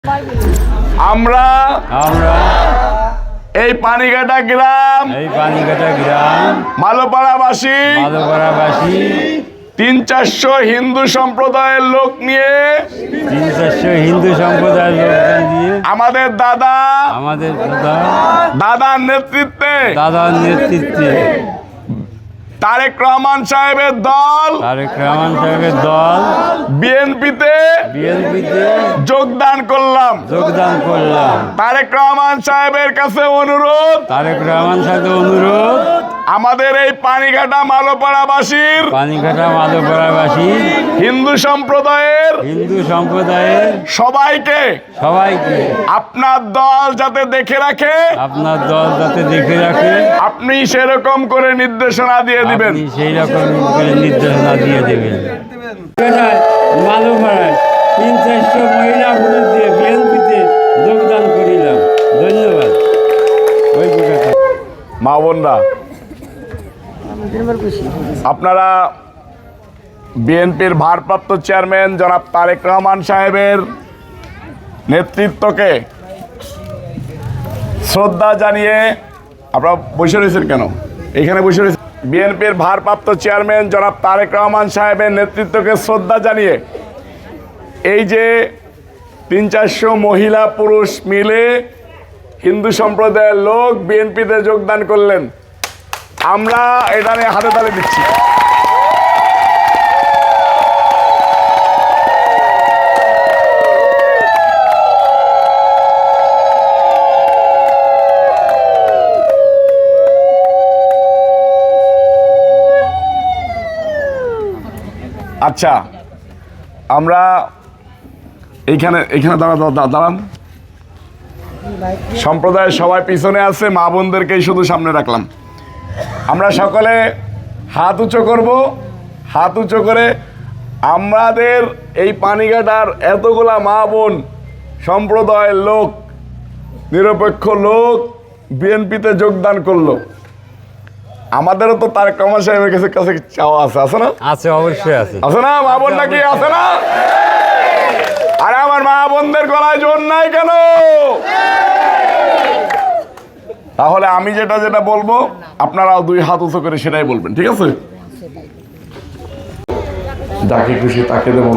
আমরা এই পানিঘাটা গ্রাম মালোপাড়াবাসী 300-400 হিন্দু সম্প্রদায়ের লোক নিয়ে আমাদের দাদার নেতৃত্বে তারেক রহমান সাহেবের দল বিএনপিতে যোগদান করলাম। তারেক রহমান সাহেবের কাছে অনুরোধ, আমাদের এই পানিঘাটা মালোপাড়াবাসীর হিন্দু সম্প্রদায়ের সবাইকে আপনার দল যাতে দেখে রাখে আপনি সেরকম করে নির্দেশনা দিয়ে দিবেন। সেই রকম করে নির্দেশনা দিয়ে দেবেন। মালোপাড়ায় 300-400 মহিলা পুরুষ দিয়ে বিএনপিতে যোগদান করিলাম। ধন্যবাদ। মা বোনরা, আপনারা বিএনপির ভারপ্রাপ্ত চেয়ারম্যান জনাব তারেক রহমান সাহেবের নেতৃত্বকে শ্রদ্ধা জানিয়ে আপনারা বসে রয়েছেন কেন? এখানে বসে রয়েছেন। বিএনপির ভারপ্রাপ্ত চেয়ারম্যান জনাব তারেক রহমান সাহেবের নেতৃত্বকে শ্রদ্ধা জানিয়ে এই যে 300-400 মহিলা পুরুষ মিলে হিন্দু সম্প্রদায়ের লোক বিএনপিতে যোগদান করলেন, আমরা এটা নিয়ে হাতে তালি দিচ্ছি। আচ্ছা, আমরা এইখানে দাঁড়ান। সম্প্রদায়ের সবাই পিছনে আছে, মা বোনদেরকেই শুধু সামনে রাখলাম। আমরা সকলে হাত উঁচু করব। হাত উঁচু করে আমাদের এই পানিঘাটার এতগুলা মা বোন সম্প্রদায়ের লোক, নিরপেক্ষ লোক বিএনপিতে যোগদান করলো। আমাদেরও তো তারেক রহমান সাহেবের কাছে চাওয়া আছে না? আছে, অবশ্যই আছে না মা বোন? নাকি আছে না? আরে আমার মা বোনদের গলায় জোর নাই কেন? তাহলে আমি যেটা বলবো আপনারাও 2 হাত উঁচু করে সেটাই বলবেন, ঠিক আছে? যাকে খুশি তাকে দেবো,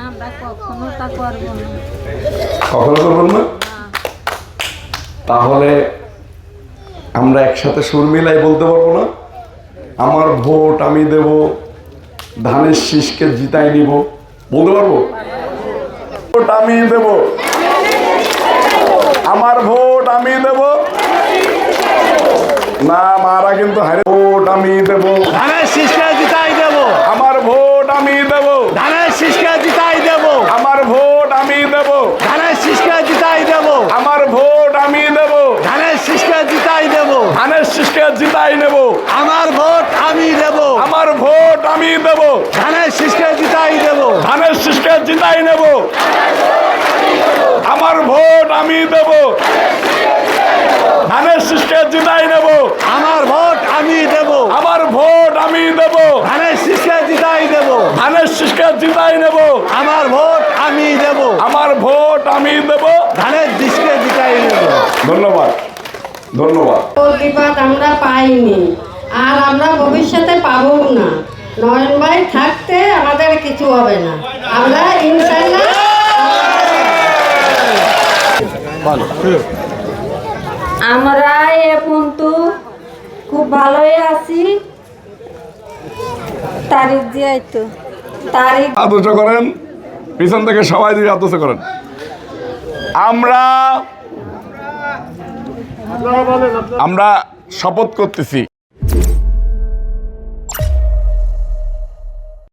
কখনো করবেন না। তাহলে আমরা একসাথে সুর মিলাই বলতে পারবো না? আমার ভোট আমি দেব, ধানের শীষকে জিতাই নিব, বলতে পারবো? ভোট আমি দেব, আমার ভোট আমি দেব না, মারা কিন্তু হারে। ভোট আমি দেব, ধানের শীষকে জিতাই দেব, আমার ভোট আমি দেব, ধানের শীষকে জিতাই দেব, আমার ভোট আমি দেব, ধানের শীষকে জিতাই দেব, আমার ভোট আমি দেব, ধানের শীষকে জিতাই দেব, ধানের শীষকে জিতাই নেব, আমার ভোট আমি দেব, আমার ভোট আমি দেব, ধানের শীষকে জিতাই দেব, ধানের শীষকে জিতাই নেব, আমার ভোট আমি দেব, ধানের শীষকে জিতাই নেব, আমার ভোট আমি দেব, আমার ভোট আমি দেব, ধানের শীষকে জিতাই দেব, ধানের শীষকে জিতাই নেব, আমার ভোট আমি দেব, আমার ভোট আমি দেব, ধানের শীষকে জিতাই দেব। ধন্যবাদ। প্রতিবাদ আমরা পাইনি, আর আমরা ভবিষ্যতে পাবো না। নয়ন ভাই থাকতে আমাদের কিছু হবে না, আমরা ইনশাআল্লাহ। আমরা কিন্তু খুব ভালোই আছি। তারিখ দিয়ে তো তারিখ আদর্শ করেন, পিছন থেকে সবাই দিয়ে আদর্শ করেন। আমরা শপথ করতেছি